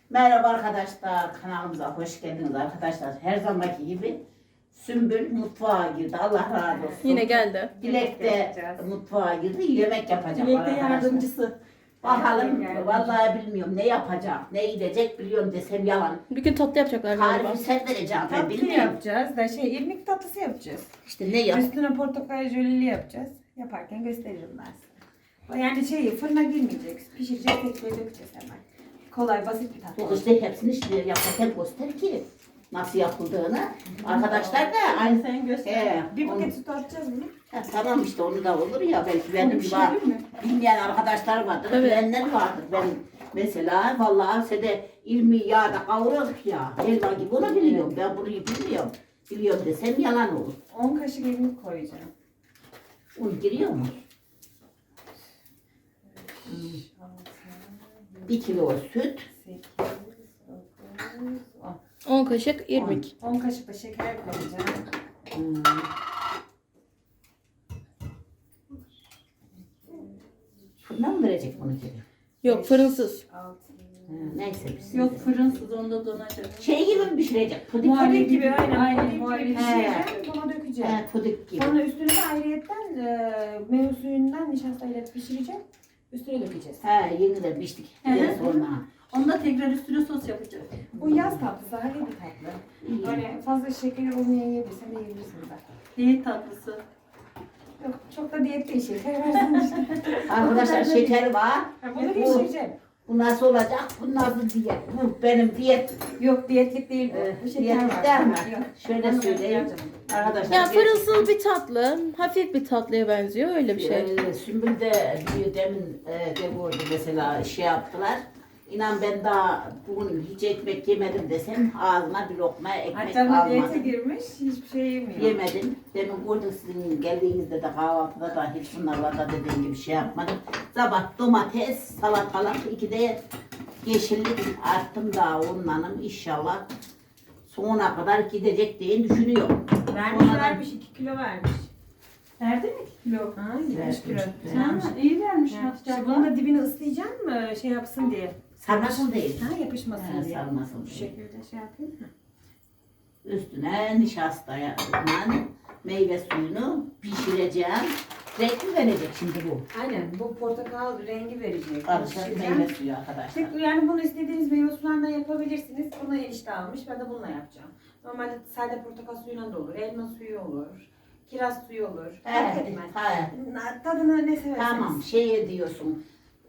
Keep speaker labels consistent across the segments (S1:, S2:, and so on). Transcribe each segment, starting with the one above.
S1: Merhaba arkadaşlar, kanalımıza hoş geldiniz arkadaşlar. Her zamanki gibi Sümbül mutfağa girdi. Allah razı olsun.
S2: Yine geldi.
S1: Dilek de mutfağa girdi. Yemek yapacak
S3: Dilek de
S1: arkadaşlar.
S3: yardımcısı.
S1: Bakalım, vallahi bilmiyorum ne yapacak, ne gidecek biliyorum desem yalan.
S2: Bir gün tatlı yapacaklar galiba.
S1: Tarifi sen vereceksin ben
S3: Tatlı
S1: bilmiyorum.
S3: yapacağız da irmik tatlısı yapacağız.
S1: İşte ne yap?
S3: Üstüne portakal jöleli yapacağız. Yaparken gösteririm ben size. Yani fırına girmeyecek. Pişireceğiz, tekrar dökeceğiz hemen. Kolay, basit bir tatlı.
S1: Bu işte hepsini işte yaparken göster ki nasıl yapıldığını. Arkadaşlar da aynı.
S3: Sen göster. Bir paket süt atacağız bunu.
S1: Tamam işte onu da olur ya belki benim
S3: Onu
S1: gibi
S3: pişirelim mi?
S1: bilmeyen arkadaşlar vardır,
S2: Evet.
S1: bilenler vardır. Ben mesela vallahi size ilmi yağda kavururduk ya, helva gibi onu biliyorum. Ben bunu bilmiyorum. Biliyorum desem yalan olur.
S3: 10 kaşık irmik koyacağım.
S1: Un giriyor mu? 1 kilo süt.
S3: 8, 9,
S2: 10 kaşık irmik.
S3: 10 kaşık da şeker koyacağım.
S1: Hmm. Fırına mı verecek bunu geri?
S2: Yok fırınsız.
S3: 6,
S1: Neyse bir
S4: Yok fırınsız onda donacak.
S1: şey gibi mi pişirecek? Pudik
S3: muhallebi
S1: pudik
S3: gibi aynen.
S4: Aynen,
S3: Muhallebi gibi
S4: muhallebi.
S3: pişireceğim. Buna dökeceğim.
S1: Pudik gibi.
S3: Sonra üstüne de ayrıyetten meyve suyundan nişastayla pişireceğim. Üstüne dökeceğiz.
S1: Yeni de piştik.
S4: Hı hı.
S1: Biraz sonra.
S4: Onda tekrar üstüne sos yapacak.
S3: Bu yaz tatlısı, hafif bir tatlı.
S1: İyi.
S3: Böyle fazla şekeri olmayabilirsen de yiyebilirsin zaten.
S4: Diyet tatlısı.
S3: Yok, çok da diyet değil, şeker versin işte.
S1: Arkadaşlar şeker var.
S3: Bunu pişireceğim.
S1: Bu nasıl olacak? Bu nasıl diyet? Bu benim diyet.
S3: Yok, diyetlik değil bu. Bu şeker
S1: Diyetlik
S3: var.
S1: değil mi?
S3: Yok.
S1: Şöyle
S3: Onu
S1: söyleyeyim.
S3: yapacağım.
S1: Arkadaşlar.
S2: Ya fırınsız bir tatlı. Hafif bir tatlıya benziyor. Öyle bir şey.
S1: Sümbül de diyor demin de vurdu mesela şey yaptılar. İnan ben daha bugün hiç ekmek yemedim desem ağzıma bir lokma ekmek
S3: Hatta diyete
S1: almadım.
S3: girmiş, hiçbir şey yemiyor.
S1: Yemedim. Demin gördük sizin geldiğinizde de kahvaltıda da hiç bunlarla da dediğim gibi şey yapmadım. Sabah domates, salatalık, 2 de yeşillik attım daha onlanım inşallah sonuna kadar gidecek diye düşünüyorum.
S3: Vermiş, 2 kilo vermiş.
S4: Nerede mi kilo?
S3: Ha, 70 kilo.
S4: Ha, iyi vermiş
S3: Ha,
S4: Hatice
S3: işte bunun
S4: abla.
S3: da dibini ıslayacağım mı şey yapsın diye.
S1: Sarmasın değil.
S3: Ha, yapışmasın diye.
S1: Sarmasın
S3: Bu
S1: diye.
S3: şekilde şey yapayım mı?
S1: Üstüne nişastayla meyve suyunu pişireceğim. Renk mi verecek şimdi bu?
S3: Aynen, bu portakal rengi verecek.
S1: Karışık
S3: Pişireceğim.
S1: meyve suyu arkadaşlar.
S3: Yani bunu istediğiniz meyve sularından yapabilirsiniz. Bunu enişte almış, ben de bununla yapacağım. Normalde sade portakal suyuyla da olur, elma suyu olur, kiraz suyu olur. Fark
S1: Evet,
S3: etmez.
S1: evet.
S3: Tadını ne severseniz.
S1: Tamam şey diyorsun.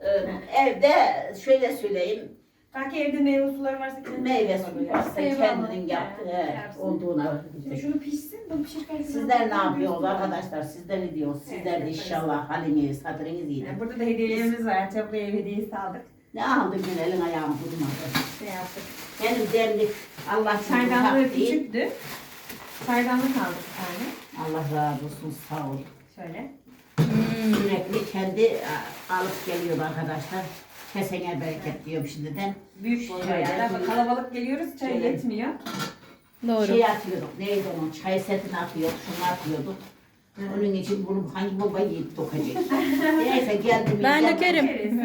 S1: Evde şöyle söyleyeyim.
S3: Belki evde meyve suları varsa kendiniz
S1: Meyve
S3: yapabilirsiniz.
S1: suyu varsa
S4: Eyvallah.
S1: kendinin yaptığı
S3: Yaparsın.
S1: olduğuna.
S3: Şimdi şunu pişsin, bunu pişirken
S1: Sizler ne yapıyorsunuz arkadaşlar? Sizler ne diyorsunuz? Sizler de inşallah haliniz, hatırınız iyi.
S3: Yani burada da hediyelerimiz var. Hatice ablaya ev hediyesi aldık.
S1: Ne aldın yine elin ayağın vurmadı.
S3: Şey yaptık.
S1: Benim demlik Allah için
S3: Çaydanlığı
S1: uzak değil.
S3: küçüktü. Çaydanlık aldık bir tane.
S1: Allah razı olsun sağ ol.
S3: Şöyle.
S1: Sürekli kendi alıp geliyor arkadaşlar. Kesene bereket diyorum şimdiden.
S3: Büyük boy
S1: Şöyle.
S3: yani. Ama kalabalık geliyoruz, çay
S1: Şöyle.
S3: yetmiyor.
S2: Doğru.
S1: Şey atıyorduk, neydi onun, çay setini atıyorduk, şunu atıyorduk. Onun için bunu hangi baba yiyip dokacak? Neyse geldim.
S2: Ben
S1: geldim.
S2: dökerim.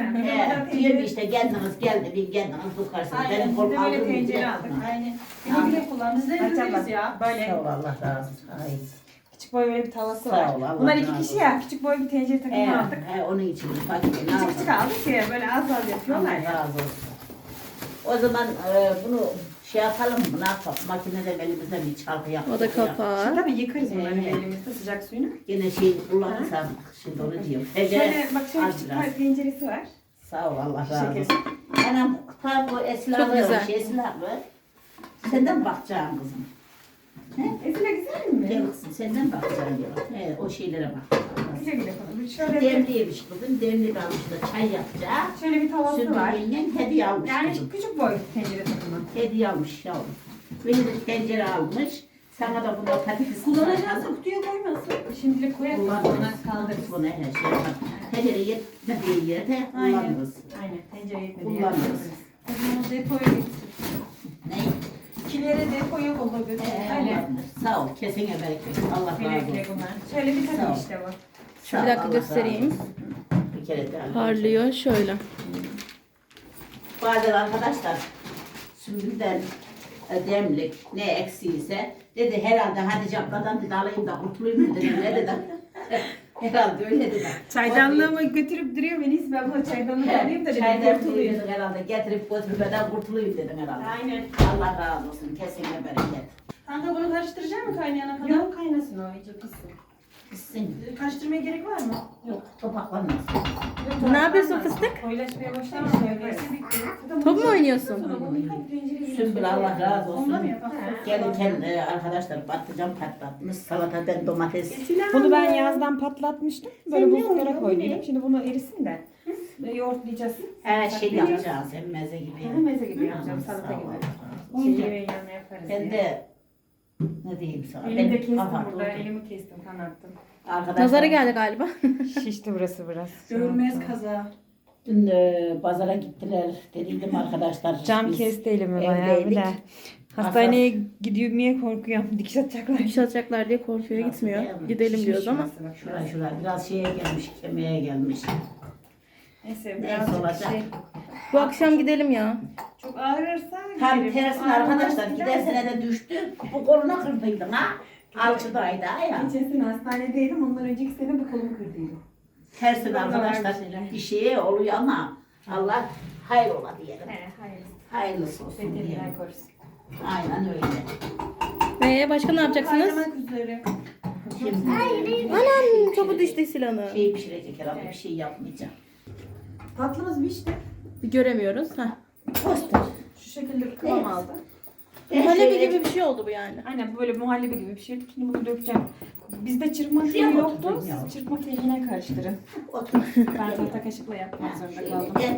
S1: Diyor işte geldiniz kendiniz dokarsınız.
S3: Aynen,
S1: Benim
S3: biz
S1: kol
S3: de böyle
S1: kaldırmayacak.
S3: tencere aldık.
S4: Aynen.
S1: Tamam.
S4: Güle güle kullan. Biz de
S3: Hatice
S4: yapıyoruz
S3: abla,
S4: ya.
S3: böyle
S1: Sağ ol Allah razı olsun. Ay.
S3: küçük boy böyle bir tavası
S1: Sağ
S3: var.
S1: ol, Allah
S3: Bunlar
S1: razı
S3: 2 kişi
S1: olsun.
S3: ya. Küçük boy bir tencere takımı aldık.
S1: Onun için fakir ne
S3: Küçük küçük aldık ya. Böyle az az yapıyorlar
S1: Allah
S3: ya.
S1: razı olsun. O zaman bunu şey yapalım mı? Ne yapalım? Makinede elimizde bir çalgı yapalım.
S2: O da
S3: Şimdi
S2: kapağı.
S3: tabii yıkarız bunları
S1: Evet.
S3: elimizde sıcak suyunu.
S1: Yine şey kullanırsam şimdi onu diyorum.
S3: Şöyle bak şöyle
S1: az
S3: küçük
S1: biraz.
S3: bir tenceresi var.
S1: Sağ ol Allah razı
S3: Şeker.
S1: olsun. Anam bu esnafı,
S2: Çok güzel.
S1: esnafı. Senden bakacağım kızım.
S3: Esile güzel mi?
S1: Gel kızım senden bakacağım diyor. O şeylere bak.
S3: Güle güle konuş. Şöyle
S1: Demliymiş bugün. Demli almış da çay yapacak.
S3: şöyle bir tavası var.
S1: Sümbül hediye almış
S3: Yani
S1: kızım.
S3: küçük boy tencere takımı.
S1: Hediye almış yavrum. Beni de tencere almış. Sana da burada patates
S4: Kullanacağız kutuya koymasın.
S3: Şimdilik koyalım. Sonra
S1: kullanırız.
S3: kaldırırız.
S1: Bunu her şey yapar. Tencere yetmediği yerde
S4: Aynen.
S1: kullanırız.
S3: Aynen tencereye yetmedi.
S1: Kullanırız.
S4: O zaman depoya gitsin.
S1: Ne?
S3: İkilere depoya kola götür. Aynen.
S1: Kullanırız. Sağ ol. Kesene bereket. Allah razı
S3: Güle güle
S1: olsun.
S3: bunlar. Şöyle bir
S1: Sağ ol.
S3: takım işte bu.
S1: Sağ ol,
S2: Bir dakika
S1: Allah razı
S2: göstereyim.
S1: olsun. Bir kere daha.
S2: Parlıyor şöyle.
S1: Bazen arkadaşlar Sümbülden demlik ne eksiyse dedi herhalde Hatice abladan dedi alayım da kurtulayım dedi. Ne dedi? Herhalde öyle dedi.
S3: Çaydanlığımı götürüp duruyor Melis. Ben bu çaydanlığı alayım da dedim
S1: Çaydan
S3: kurtulayım.
S1: dedin herhalde getirip götürmeden kurtulayım dedin herhalde.
S3: Aynen.
S1: Allah razı olsun kesinlikle bereket.
S3: Kanka bunu karıştıracak mı kaynayana kadar? Yok kaynasın o iyice pişsin.
S1: Gitsin.
S3: Karıştırmaya gerek var mı?
S1: Yok topaklanmasın.
S2: Ne yapıyorsun fıstık?
S3: Koyulaşmaya başlamış.
S2: Top mu oynuyorsun?
S1: Sümbül Allah razı
S3: Onda
S1: olsun.
S3: mı yapalım?
S1: Gelirken arkadaşlar patlıcan patlatmış. Salata ben domates.
S3: Bunu ben yazdan patlatmıştım. Böyle buzluklara koydum. Şimdi bunu erisin de yoğurtlayacağız.
S1: Her şey yapacağız. Hem meze gibi.
S3: Meze gibi yapacağım, salata
S1: Sağ ol.
S3: gibi. Şey yemeğin yanına yaparız
S1: Ben
S3: diye.
S1: de ne diyeyim sana?
S3: Elimi de kestim
S1: kapat
S3: burada.
S1: oldu.
S3: Elimi kestim, kanattım.
S1: Arkadaşlar,
S2: Nazara geldi galiba.
S3: Şişti burası biraz.
S4: Görmez kaza.
S1: dün pazara gittiler. Dediydim arkadaşlar.
S3: Cam
S1: biz
S3: kesti elimi bayağı bir
S1: evdeydik.
S3: de. Hastaneye gidiyor korkuyorum. Dikiş atacaklar.
S2: Dikiş atacaklar diye korkuyor gitmiyor. Gidelim diyoruz ama.
S1: Şuraya biraz şeye gelmiş, kemiğe gelmiş.
S3: Neyse
S1: Neyse
S3: biraz
S1: olacak.
S2: Bu akşam gidelim ya.
S3: çok ağrırsa
S1: Tam
S3: giderim.
S1: tersine arkadaşlar gider sene de düştü. Bu koluna kırdıydın ha. Alçıdaydı ha ya.
S3: Geçen sene hastanedeydim. Ondan önceki sene bu kolumu kırdıydım.
S1: Tersine
S3: Burada var
S1: arkadaşlar
S3: bir şeyler.
S1: bir şeye oluyor ama Allah hayır ola diyelim.
S3: Hayır.
S1: Hayırlısı olsun diyelim.
S3: Veteriner korusun.
S1: Aynen öyle.
S2: Başka ne yapacaksınız?
S3: Kaynamak üzere.
S1: Şimdi
S2: Anam topu düştü silahına.
S1: şey pişirecek herhalde bir şey yapmayacağım.
S3: Tatlımız pişti.
S2: Bir göremiyoruz. Heh.
S1: Poster.
S3: Şu şekilde bir kıvam
S1: Evet.
S3: aldı.
S2: Muhallebi gibi bir şey oldu bu yani.
S3: Aynen böyle muhallebi gibi bir şey. Şimdi bunu dökeceğim. Bizde çırpma teli
S1: Şuraya mı
S3: yoktu.
S1: oturdun ya?
S3: Siz çırpma teline karıştırın.
S1: Otur.
S3: Ben tahta kaşıkla yapmak zorunda
S1: Şöyle
S3: kaldım.
S1: gel.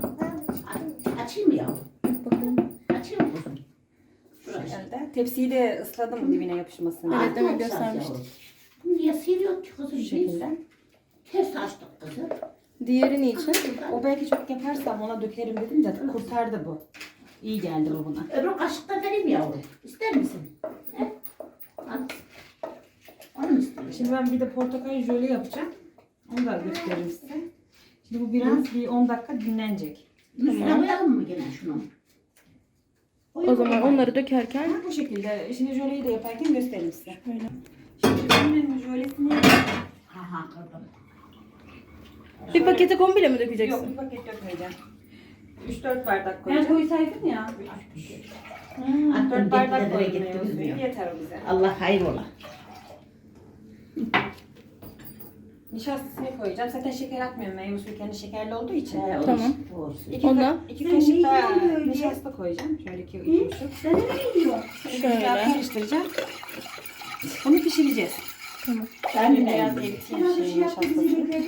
S1: Açayım mı yavrum?
S2: Bakalım.
S1: Açayım mı kuzum? Şuraya.
S3: Geldi. Tepsiyi de ısladım dibine yapışmasın.
S2: Evet, demek
S1: Çok güzel
S2: göstermiştik.
S1: yavrum. Niye siliyor ki kuzum?
S3: Şu
S1: Biz
S3: şekilde.
S1: ters açtık kızım.
S2: Diğeri niçin?
S3: O belki çok yaparsam ona dökerim dedim de kurtardı bu. İyi geldi bu buna.
S1: Öbür kaşıkta vereyim yavrum. İster misin? He? Al. Onu mu istiyorsun?
S3: Şimdi ben bir de portakal jöle yapacağım. Onu da göstereyim size. Şimdi bu biraz bir 10 dakika dinlenecek.
S1: Üstüne koyalım mı gene şunu?
S2: O zaman onları dökerken
S3: Bu şekilde. Şimdi jöleyi de yaparken göstereyim size.
S2: böyle.
S3: Şimdi bunun jölesini
S1: Ha kırdım.
S2: Bir paketi komple mi
S3: yok
S2: dökeceksin?
S3: bir paket dökmeyeceğim. 3-4 bardak
S4: Ben
S3: koyacağım.
S4: koysaydın ya.
S1: Attım
S3: 4 bardak
S1: gitti,
S3: koydum
S1: gitti,
S3: meyve suyu.
S1: bilmiyor.
S3: Yeter o bize.
S1: Allah hayır ola.
S3: Nişastasını koyacağım. Zaten şeker atmıyorum. Meyve suyu kendi şekerli olduğu için.
S2: Tamam.
S3: İki,
S2: Ondan?
S3: iki kaşık daha nişasta koyacağım. Şöyle iki buçuk.
S4: Sen ne diyor?
S2: Şöyle.
S3: Karıştıracağım. Bunu pişireceğiz.
S2: Tamam.
S1: Ben de
S3: Biraz
S1: beğendim.
S3: eriteyim şeyin nişastasını.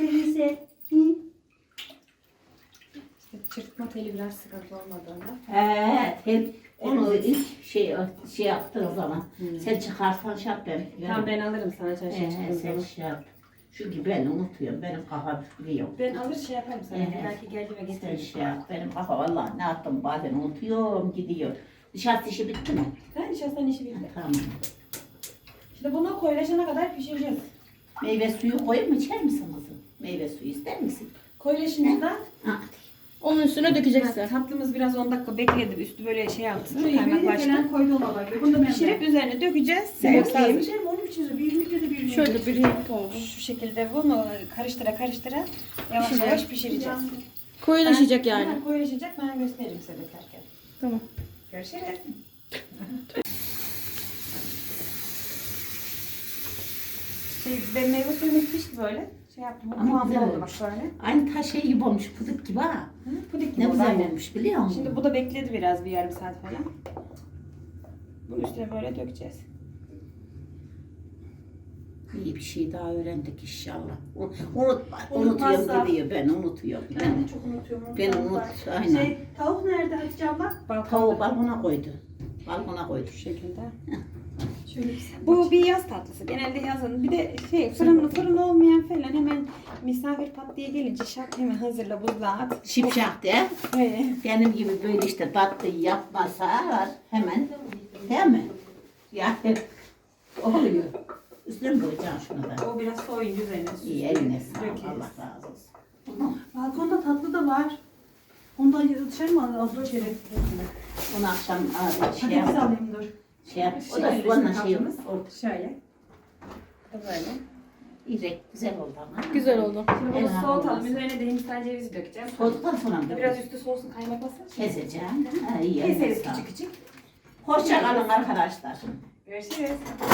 S3: İşte çırpma teli biraz sıkıntı olmadığında.
S1: Onu ilk şey yaptığın zaman sen çıkarsan şey yap ben.
S3: Tamam ben alırım sana çarşıya çıktığım
S1: Sen
S3: zaman.
S1: şey yap. Çünkü ben unutuyorum. Benim kafam biliyor.
S3: Ben alır şey yaparım sana.
S1: Evet.
S3: Belki geldi ve
S1: Sen
S3: getiririm.
S1: şey yap. Benim kafa vallahi ne yaptım bazen unutuyorum gidiyor. Nişasta işi bitti mi?
S3: Ha nişastanın işi bitti.
S1: Tamam.
S3: Şimdi bunu koyulaşana kadar pişireceğiz.
S1: Meyve suyu koyup mu içer misin kızım? Meyve suyu ister misin?
S3: Koyulaşınca da
S1: Ha,
S2: Onun üstüne dökeceksin.
S3: tatlımız biraz 10 dakika bekledi. Üstü böyle şey yaptı.
S4: Şu yemeği
S3: Kaymaklaştı.
S4: falan koydu ona bak.
S3: Bunu da pişirip üzerine dökeceğiz. Servis hazır.
S4: Onun için bir ünlükle de bir ünlükle.
S2: Şöyle bir renk olmuş.
S3: Şu şekilde bunu karıştıra karıştıra yavaş yavaş pişireceğiz.
S2: Koyulaşacak yani.
S3: Ha, koyulaşacak ben gösteririm size dökerken.
S2: Tamam.
S3: Görüşürüz. Ben meyve suyumuz pişti böyle. Şey yaptım.
S1: Ama
S3: Kıvamlı
S1: güzel
S3: oldu bak
S1: olmuş.
S3: böyle.
S1: Aynı taş şey gibi olmuş puduk gibi ha.
S3: Pudik gibi
S1: Ne
S3: oldu,
S1: güzel
S3: aynen.
S1: olmuş biliyor musun?
S3: Şimdi bu da bekledi biraz bir yarım saat falan. Bunun üstüne böyle dökeceğiz.
S1: İyi bir şey daha öğrendik inşallah. Unutma.
S4: Unutmazsa-
S1: Unutuyorum gidiyor. Ben unutuyorum.
S4: Ben de çok unutuyorum.
S1: Ben unut. Aynen.
S4: Şey, tavuk nerede Hatice abla?
S1: Tavuğu balkona koydu. Balkona koydu.
S3: Şu şekilde.
S4: Şöyle bir
S3: Bu bir yaz tatlısı. Genelde yazın. Bir de şey fırın olmayan falan hemen misafir pat diye gelince şak hemen hazırla buzluğa at.
S1: Şipşak de. Benim gibi böyle işte tatlı yapmasa hemen değil mi? Yani oluyor. Üstüne mi koyacaksın şunu da?
S3: O biraz soyun üzerine.
S1: İyi eline sağlık.
S3: Dökeriz.
S1: Allah razı olsun. Tamam.
S4: balkonda tatlı da var. Ondan dışarı mı alacağız?
S1: Onu akşam şey
S4: Patates
S1: yap.
S4: alayım dur.
S1: Şey yap. O da soğanla şey olur.
S3: Şöyle. Böyle.
S1: İrek güzel oldu ama.
S2: Güzel oldu.
S3: Şimdi
S1: Evet,
S3: bunu soğutalım.
S1: olmaz.
S3: Üzerine de hindistan cevizi dökeceğim.
S1: Soğuduktan sonra mı?
S3: Biraz üstü soğusun kaymaklasın.
S1: Keseceğim. Ha, iyi.
S3: Keseriz
S1: Sağ ol.
S3: küçük küçük.
S1: Hoşça kalın arkadaşlar.
S3: Görüşürüz.